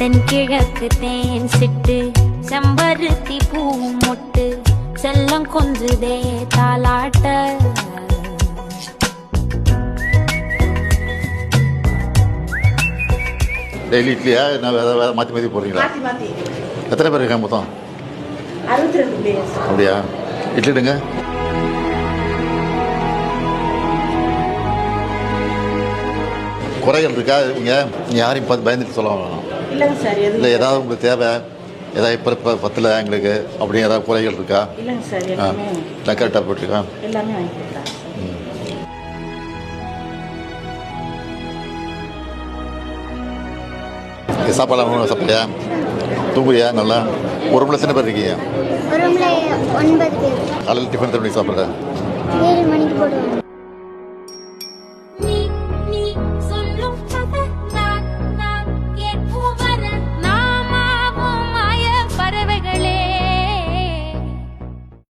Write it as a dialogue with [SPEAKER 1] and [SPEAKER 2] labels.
[SPEAKER 1] தென்கிழக்கு தேன் சிட்டு செம்பருத்தி பூ மொட்டு செல்லம் கொஞ்சுதே தாலாட்ட.
[SPEAKER 2] டெய்லி இட்லியா என்ன வேறு மாற்றி மாற்றி போடுறீங்களா? எத்தனை பேர் இருக்காங்க மொத்தம்?
[SPEAKER 3] 62 பேர்.
[SPEAKER 2] அப்படியா? இட்லிடுங்க. குறைகள் இருக்கா? நீங்கள் யாரையும் பார்த்து பயந்துட்டு சொல்ல வேணாம்.
[SPEAKER 3] இல்லைங்க சார்.
[SPEAKER 2] இல்லை ஏதாவது உங்களுக்கு தேவை, ஏதாவது இப்போ பத்தில் எங்களுக்கு அப்படி ஏதாவது குறைகள் இருக்கா?
[SPEAKER 3] இல்லைங்க சார். எல்லாமே
[SPEAKER 2] கரெக்டாக போட்டிருக்கா?
[SPEAKER 3] எல்லாமே வாங்கி கொடுக்குறாங்க.
[SPEAKER 2] சாப்பாடு சாப்பிட்றியா? தூங்குறியா? நல்லா. ஒரு ரூமில் எத்தனை பேர் இருக்கீங்க?
[SPEAKER 4] ஒரு ரூமில் 9 பேர்.
[SPEAKER 2] காலையில் டிஃபன் எத்தனை மணிக்கு சாப்பிட்ற?
[SPEAKER 4] 7 மணிக்கு போடுவாங்க.